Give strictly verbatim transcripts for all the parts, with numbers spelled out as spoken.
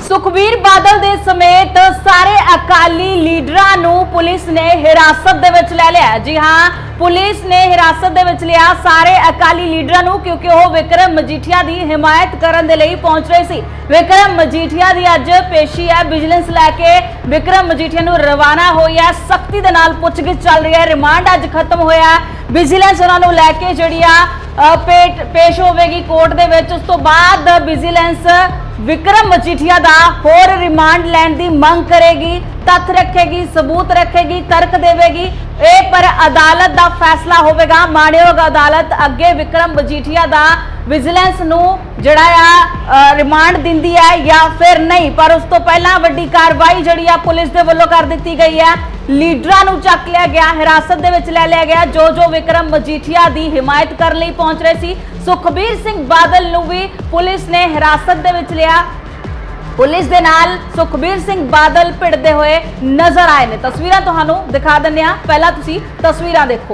ਸੁਖਬੀਰ ਬਾਦਲ ਦੇ ਸਮੇਤ ਸਾਰੇ ਅਕਾਲੀ ਲੀਡਰਾਂ ਨੂੰ ਪੁਲਿਸ ਨੇ ਹਿਰਾਸਤ ਦੇ ਵਿੱਚ ਲੈ ਲਿਆ। ਜੀ ਹਾਂ, ਪੁਲਿਸ ਨੇ ਹਿਰਾਸਤ ਦੇ ਵਿੱਚ ਲਿਆ ਸਾਰੇ ਅਕਾਲੀ ਲੀਡਰਾਂ ਨੂੰ, ਕਿਉਂਕਿ ਉਹ ਵਿਕਰਮ ਮਜੀਠੀਆ ਦੀ ਹਿਮਾਇਤ ਕਰਨ ਦੇ ਲਈ ਪਹੁੰਚ ਰਹੇ ਸੀ। ਵਿਕਰਮ ਮਜੀਠੀਆ ਦੀ ਅੱਜ ਪੇਸ਼ੀ ਹੈ। ਵਿਜੀਲੈਂਸ ਲੈ ਕੇ ਵਿਕਰਮ ਮਜੀਠੀਆ ਨੂੰ ਰਵਾਨਾ ਹੋਈ ਹੈ। ਸਖਤੀ ਦੇ ਨਾਲ ਪੁੱਛਗਿੱਛ ਚੱਲ ਰਹੀ ਹੈ। ਰਿਮਾਂਡ ਅੱਜ ਖਤਮ ਹੋਇਆ। ਵਿਜੀਲੈਂਸ ਉਹਨਾਂ ਨੂੰ ਲੈ ਕੇ ਜਿਹੜੀ ਆ ਪੇਸ਼ ਹੋਵੇਗੀ ਕੋਰਟ ਦੇ ਵਿੱਚ। ਉਸ ਤੋਂ ਬਾਅਦ ਵਿਜੀਲੈਂਸ ਵਿਕਰਮ ਮਜੀਠੀਆ ਦਾ ਹੋਰ ਰਿਮਾਂਡ ਲੈਣ ਦੀ ਮੰਗ ਕਰੇਗੀ, ਤੱਥ ਰੱਖੇਗੀ, ਸਬੂਤ ਰੱਖੇਗੀ, ਤਰਕ ਦੇਵੇਗੀ। ਇਹ ਪਰ ਅਦਾਲਤ ਦਾ ਫੈਸਲਾ ਹੋਵੇਗਾ। ਮਾਣਯੋਗ ਅਦਾਲਤ ਅੱਗੇ ਵਿਕਰਮ ਮਜੀਠੀਆ ਦਾ ਵਿਜੀਲੈਂਸ ਨੂੰ ਜਿਹੜਾ ਆ ਰਿਮਾਂਡ ਦਿੰਦੀ ਹੈ ਜਾਂ ਫਿਰ ਨਹੀਂ। ਪਰ ਉਸ ਤੋਂ ਪਹਿਲਾਂ ਵੱਡੀ ਕਾਰਵਾਈ ਜਿਹੜੀ ਆ ਪੁਲਿਸ ਦੇ ਵੱਲੋਂ ਕਰ ਦਿੱਤੀ ਗਈ ਹੈ। ਲੀਡਰਾਂ ਨੂੰ ਚੱਕ ਲਿਆ ਗਿਆ, ਹਿਰਾਸਤ ਦੇ ਵਿੱਚ ਲੈ ਲਿਆ ਗਿਆ, ਜੋ ਜੋ ਵਿਕਰਮ ਮਜੀਠੀਆ ਦੀ ਹਿਮਾਇਤ ਕਰਨ ਲਈ ਪਹੁੰਚ ਰਹੇ ਸੀ। ਸੁਖਬੀਰ ਸਿੰਘ ਬਾਦਲ ਨੂੰ ਵੀ ਪੁਲਿਸ ਨੇ ਹਿਰਾਸਤ ਦੇ ਵਿੱਚ ਲਿਆ। ਪੁਲਿਸ ਦੇ ਨਾਲ ਸੁਖਬੀਰ ਸਿੰਘ ਬਾਦਲ ਭਿੜਦੇ ਹੋਏ ਨਜ਼ਰ ਆਏ ਨੇ। ਤਸਵੀਰਾਂ ਤੁਹਾਨੂੰ ਦਿਖਾ ਦਿੰਦੇ ਆ, ਪਹਿਲਾਂ ਤੁਸੀਂ ਤਸਵੀਰਾਂ ਦੇਖੋ।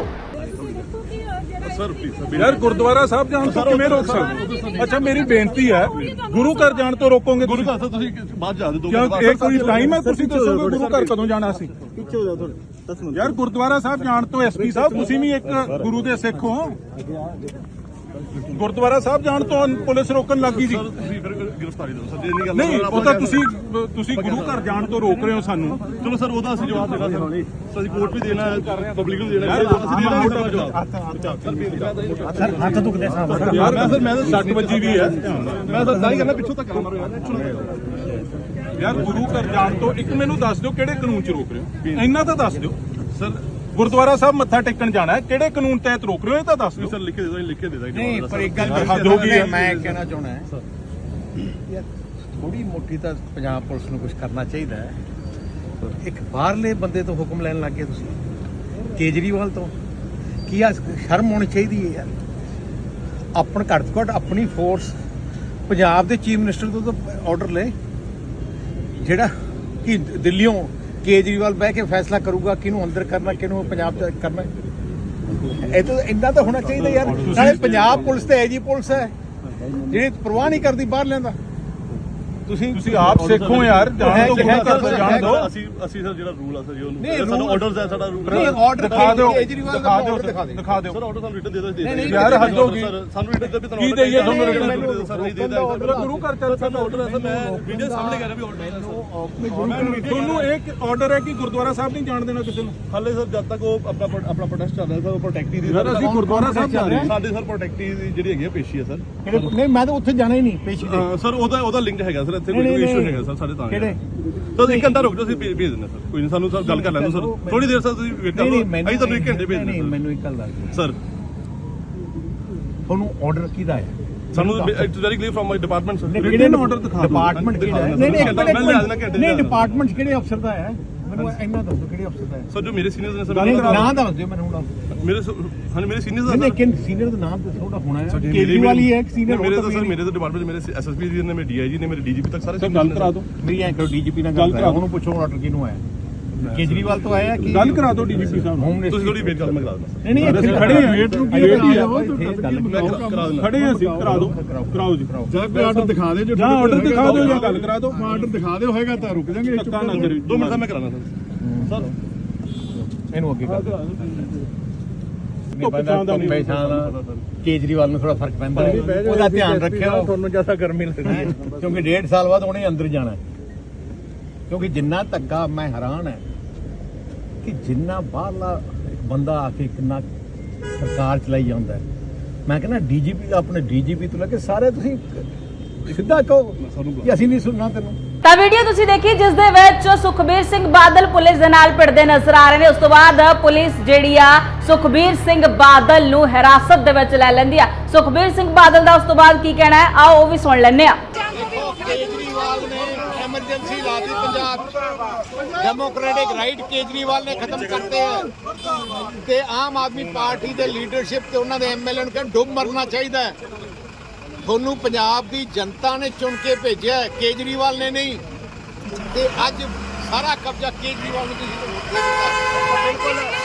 यार गुरुद्वारा साहब जान तो किवें रोक सकते? अच्छा मेरी बेनती है, गुरु घर जान तो रोकोगे? गुरु घर तुसीं बाद जा दो क्यों एक कोई टाइम है तुसीं दसोगे गुरु घर कदों जाना सी? पीछे हो जाओ थोड़े दस मिनट। यार गुरुद्वारा साहब जान तो एसपी साहब तुसीं भी एक गुरु दे सिख हो। गुरुद्वारा साहब जान तो पुलिस रोकन लगी जी। गिरफ्तारी दो सर, ये नहीं नहीं ਉਹ ਤਾਂ ਤੁਸੀਂ ਤੁਸੀਂ ਗੁਰੂ ਘਰ ਜਾਣ ਤੋਂ ਰੋਕ ਰਹੇ ਹੋ ਸਾਨੂੰ। ਚਲੋ ਸਰ ਉਹਦਾ ਅਸੀਂ ਜਵਾਬ ਦੇਣਾ ਸਰ, ਅਸੀਂ ਕੋਰਟ ਵੀ ਦੇਣਾ ਹੈ, ਪਬਲਿਕ ਨੂੰ ਦੇਣਾ ਹੈ, ਅਸੀਂ ਦੇਣਾ ਮੋਟਾ ਜਵਾਬ। ਸਰ ਹੱਥ ਦੁਖਦੇ ਸਾਹਿਬ ਯਾਰ, ਮੈਂ ਸਰ ਮੈਂ ਤਾਂ ਸੱਟ ਵੱਜੀ ਵੀ ਹੈ, ਮੈਂ ਤਾਂ ਤਾਂ ਹੀ ਕਹਿੰਦਾ ਪਿੱਛੋਂ ਤੱਕ ਮਾਰੋ ਯਾਰ। ਯਾਰ ਗੁਰੂ ਘਰ ਜਾਣ ਤੋਂ ਇੱਕ ਮੈਨੂੰ ਦੱਸ ਦਿਓ ਕਿਹੜੇ ਕਾਨੂੰਨ 'ਚ ਰੋਕ ਰਹੇ ਹੋ, ਇੰਨਾ ਤਾਂ ਦੱਸ ਦਿਓ ਸਰ। ਗੁਰਦੁਆਰਾ ਸਾਹਿਬ ਮੱਥਾ ਟੇਕਣ ਜਾਣਾ ਹੈ, ਕਿਹੜੇ ਕਾਨੂੰਨ ਤਹਿਤ ਰੋਕ ਰਹੇ ਹੋ ਇਹ ਤਾਂ ਦੱਸ ਦਿਓ ਸਰ। ਲਿਖ ਕੇ ਦੇ ਦੋ, ਲਿਖ ਕੇ ਦੇ ਦੋ। ਨਹੀਂ ਪਰ ਇੱਕ ਗੱਲ ਮੈਂ ਕਹਿਣਾ ਚਾਹੁੰਦਾ ਹੈ ਯਾਰ, ਥੋੜੀ ਮੋਟੀ ਤਾਂ ਪੰਜਾਬ ਪੁਲਿਸ ਨੂੰ ਕੁਝ ਕਰਨਾ ਚਾਹੀਦਾ ਹੈ। ਇੱਕ ਬਾਹਰਲੇ ਬੰਦੇ ਤੋਂ ਹੁਕਮ ਲੈਣ ਲੱਗ ਗਏ ਤੁਸੀਂ, ਕੇਜਰੀਵਾਲ ਤੋਂ। ਕੀ ਆ ਸ਼ਰਮ ਹੋਣੀ ਚਾਹੀਦੀ ਹੈ ਯਾਰ। ਆਪਣ ਘੱਟ ਤੋਂ ਘੱਟ ਆਪਣੀ ਫੋਰਸ, ਪੰਜਾਬ ਦੇ ਚੀਫ ਮਿਨਿਸਟਰ ਤੋਂ ਤਾਂ ਆਰਡਰ ਲੈ, ਜਿਹੜਾ ਕਿ ਦਿੱਲੀੋਂ ਕੇਜਰੀਵਾਲ ਬਹਿ ਕੇ ਫੈਸਲਾ ਕਰੂਗਾ ਕਿਹਨੂੰ ਅੰਦਰ ਕਰਨਾ, ਕਿਹਨੂੰ ਪੰਜਾਬ ਚ ਕਰਨਾ। ਇਹ ਤਾਂ ਇੰਨਾ ਤਾਂ ਹੋਣਾ ਚਾਹੀਦਾ ਯਾਰ। ਨਾਲੇ ਪੰਜਾਬ ਪੁਲਿਸ ਤੇ ਐਜੀ ਪੁਲਿਸ ਹੈ ਜਿਹੜੀ ਪਰਵਾਹ ਨਹੀਂ ਕਰਦੀ ਬਾਹਰ ਲੈਂਦਾ। ਤੁਸੀਂ ਤੁਸੀਂ ਆਪ ਸਿੱਖੋ ਯਾਰ, ਜਾਣ ਤੋਂ ਗੁਰੂ ਘਰ ਤੋਂ ਜਾਣ ਦਿਓ। ਅਸੀਂ ਅਸੀਂ ਸਰ ਜਿਹੜਾ ਰੂਲ ਆ ਸਰ, ਉਹਨੂੰ ਸਾਨੂੰ ਆਰਡਰਸ ਹੈ, ਸਾਡਾ ਰੂਲ ਨਹੀਂ ਆਰਡਰ ਦਿਖਾ ਦਿਓ, ਕੇਜਰੀਵਾਲ ਦਿਖਾ ਦਿਓ, ਦਿਖਾ ਦਿਓ ਦਿਖਾ ਦਿਓ ਸਰ। ਆਰਡਰ ਸਾਨੂੰ ਰਿਟਨ ਦੇ ਦੋ ਯਾਰ, ਹੱਦ ਹੋ ਗਈ। ਸਾਨੂੰ ਰਿਟਨ ਦੇ ਵੀ ਤੁਹਾਨੂੰ ਕੀ ਦੇਈਏ ਤੁਹਾਨੂੰ ਰਿਟਨ? ਸਰ ਨਹੀਂ ਦੇਦਾ ਗੁਰੂ ਘਰ ਚੱਲ ਸਾਨੂੰ ਆਰਡਰ ਹੈ ਸਰ। ਮੈਂ ਵੀਡੀਓ ਸਾਹਮਣੇ ਕਰ ਰਿਹਾ ਵੀ ਆਰਡਰ ਹੈ ਸਰ। ਤੁਹਾਨੂੰ ਇੱਕ ਆਰਡਰ ਹੈ ਕਿ ਗੁਰਦੁਆਰਾ ਸਾਹਿਬ ਨਹੀਂ ਜਾਣ ਦੇਣਾ ਕਿਸੇ ਨੂੰ। ਹਾਲੇ ਸਰ ਜਦ ਤੱਕ ਉਹ ਆਪਣਾ ਆਪਣਾ ਪ੍ਰੋਟੈਸਟ ਚੱਲ ਰਿਹਾ ਸਰ, ਉਹ ਪ੍ਰੋਟੈਕਟੀ ਦੀ ਯਾਰ ਅਸੀਂ ਗੁਰਦੁਆਰਾ ਸਾਹਿਬ ਜਾ ਰਹੇ ਹਾਂ। ਸਾਡੇ ਸਰ ਪ੍ਰੋਟੈਕਟੀ ਦੀ ਜਿਹੜੀ ਹੈਗੀ ਪੇਸ਼ੀ ਹੈ ਸਰ। ਨਹੀਂ ਮੈਂ ਤਾਂ ਉੱਥੇ ਜਾਣਾ ਹੀ ਨਹੀਂ ਪੇਸ਼ੀ ਤੇ ਸਰ ਉਹਦਾ ਉਹਦਾ ਲਿੰਕ ਹੈਗਾ ਸਰ, ਇੱਥੇ ਕੋਈ ਇਸ਼ੂ ਹੈਗਾ ਸਰ ਸਾਡੇ ਤਾਂ। ਕਿਹੜੇ ਸਰ ਇੱਕ ਘੰਟਾ ਰੁਕ ਜਾਓ, ਅਸੀਂ ਭੇਜ ਦਿੰਦੇ ਸਰ। ਕੋਈ ਨਹੀਂ, ਸਾਨੂੰ ਸਰ ਗੱਲ ਕਰ ਲੈਣ ਦਿਓ ਸਰ, ਥੋੜੀ ਦੇਰ ਸਰ ਤੁਸੀਂ ਵੇਟ ਕਰ ਲਓ, ਅਸੀਂ ਤੁਹਾਨੂੰ ਇੱਕ ਘੰਟੇ ਭੇਜ ਦਿੰਦੇ। ਮੈਨੂੰ ਇੱਕ ਗੱਲ ਦੱਸ ਸਰ ਤੁਹਾਨੂੰ ਆਰਡਰ ਕਿਹਦਾ ਹੈ? ਸਾਨੂੰ it's very clear from my department sir. ਕਿਹੜੇ ਆਰਡਰ ਦਿਖਾ ਡਿਪਾਰਟਮੈਂਟ ਕਿਹੜਾ ਹੈ? ਨਹੀਂ ਨਹੀਂ ਨਹੀਂ ਡਿਪਾਰਟਮੈਂਟ ਕਿਹੜੇ ਅਫਸਰ ਦਾ ਹੈ? ਮੈਨੂੰ ਇੰਨਾ ਦੱਸੋ ਕਿਹੜੇ ਅਫਸਰ ਦਾ ਹੈ? ਸਰ ਜੋ ਮੇਰੇ ਸੀਨੀਅਰਸ ਨੇ ਸਰ, ਨਾਮ ਦੱਸ ਦਿਓ ਮੈਨੂੰ ਹੁਣ। ਮੇਰੇ ਹਾਂ ਮੇਰੇ ਸੀਨੀਅਰਸ ਨਹੀਂ ਨਹੀਂ ਸੀਨੀਅਰ ਦਾ ਨਾਮ ਦੱਸੋ, ਉਹਦਾ ਹੋਣਾ ਹੈ। ਕੇਜਰੀਵਾਲ ਹੀ ਹੈ ਇੱਕ ਸੀਨੀਅਰ। ਮੇਰੇ ਤਾਂ ਸਰ ਮੇਰੇ ਤਾਂ ਡਿਪਾਰਟਮੈਂਟ ਮੇਰੇ ਐਸਐਸਪੀ ਜੀ ਨੇ, ਮੇਰੇ ਡੀਆਈਜੀ ਨੇ, ਮੇਰੇ ਡੀਜੀਪੀ ਤੱਕ ਸਾਰੇ ਗੱਲ ਕਰਾ ਦਿਓ। ਮੇਰੀ ਐਂ ਕਰੋ, ਡੀਜੀਪੀ ਨਾਲ ਗੱਲ ਕਰਾਓ, ਉਹਨੂੰ ਪੁੱਛੋ ਆਰਡਰ ਕਿਹਨੂੰ ਆਇਆ। ਕੇਜਰੀਵਾਲ ਤੋਂ ਆਇਆ ਕਿ ਗੱਲ ਕਰਾ ਦਿਓ ਡੀਜੀਪੀ ਸਾਹਿਬ ਨੂੰ। ਤੁਸੀਂ ਥੋੜੀ ਵੇਟ ਕਰ, ਮੈਂ ਕਰਾ ਦਿੰਦਾ। ਨਹੀਂ ਨਹੀਂ ਅਸੀਂ ਖੜੇ ਹਾਂ, ਵੇਟ ਨੂੰ ਕੀ ਵੇਟ ਹੀ ਆ, ਕਰਾ ਦਿੰਦਾ। ਖੜੇ ਹਾਂ ਅਸੀਂ, ਕਰਾ ਦਿਓ, ਕਰਾਓ ਜੀ। ਜਾਂ ਕੋਈ ਆਰਡਰ ਦਿਖਾ ਦੇ, ਜੋ ਜਾਂ ਆਰਡਰ ਦਿਖਾ ਦਿਓ ਜਾਂ ਗੱਲ ਕਰਾ ਦਿਓ। ਆਰਡਰ ਦਿਖਾ ਦਿਓ, ਹੋਏਗਾ ਤਾਂ ਰੁਕ ਜਾਾਂਗੇ। ਧੱਕਾ ਨਾ ਕਰਿਓ। ਦੋ ਮਿੰਟ ਦਾ ਮੈਂ ਕਰਾਣਾ ਸਰ। ਸਰ ਇਹਨੂੰ ਅੱਗੇ ਕਰ ਦਿਓ। ਕੇਜਰੀਵਾਲ ਨੂੰ ਥੋੜਾ ਫਰਕ ਪੈਂਦਾ, ਉਹਦਾ ਧਿਆਨ ਰੱਖਿਓ। ਤੁਹਾਨੂੰ ਜ਼ਿਆਦਾ ਗਰਮੀ ਲੱਗਦੀ ਹੈ ਕਿਉਂਕਿ ਡੇਢ ਸਾਲ ਬਾਅਦ ਉਹਨੇ ਅੰਦਰ ਜਾਣਾ। ਕਿਉਂਕਿ ਜਿੰਨਾ ਧੱਕਾ, ਮੈਂ ਹੈਰਾਨ ਹੈ ਕਿ ਜਿੰਨਾ ਬਾਹਰਲਾ ਇੱਕ ਬੰਦਾ ਆ ਕੇ ਕਿੰਨਾ ਸਰਕਾਰ ਚਲਾਈ ਜਾਂਦਾ ਹੈ। ਮੈਂ ਕਹਿੰਦਾ ਡੀਜੀਪੀ ਦਾ, ਆਪਣੇ ਡੀਜੀਪੀ ਤੋਂ ਲੈ ਕੇ ਸਾਰੇ ਤੁਸੀਂ ਸਿੱਧਾ ਕਹੋ ਕਿ ਅਸੀਂ ਨਹੀਂ ਸੁਣਨਾ ਤੈਨੂੰ। ਤਾਂ ਵੀਡੀਓ ਤੁਸੀਂ ਦੇਖੀ ਜਿਸ ਦੇ ਵਿੱਚ ਸੁਖਬੀਰ ਸਿੰਘ ਬਾਦਲ ਪੁਲਿਸ ਦੇ ਨਾਲ ਭਿੜਦੇ ਨਜ਼ਰ ਆ ਰਹੇ ਨੇ। ਉਸ ਤੋਂ ਬਾਅਦ ਪੁਲਿਸ ਜਿਹੜੀ ਆ ਸੁਖਬੀਰ ਸਿੰਘ ਬਾਦਲ ਨੂੰ ਹਿਰਾਸਤ ਦੇ ਵਿੱਚ ਲੈ ਲੈਂਦੀ ਆ। ਸੁਖਬੀਰ ਸਿੰਘ ਬਾਦਲ ਦਾ ਉਸ ਤੋਂ ਬਾਅਦ ਕੀ ਕਹਿਣਾ ਹੈ, ਆਓ ਉਹ ਵੀ ਸੁਣ ਲੈਂਦੇ ਆ। केजरीवाल ने एमरजेंसी ला दी पंजाब, डेमोक्रेटिक राइट केजरीवाल ने खत्म करते हैं ते आम आदमी पार्टी दे लीडरशिप ते उन्हां दे एमएलए नूं डुब मरना चाहिए। थोनू पंजाब दी जनता ने चुन के भेजा, केजरीवाल ने नहीं। ते अज सारा कब्जा केजरीवाल ने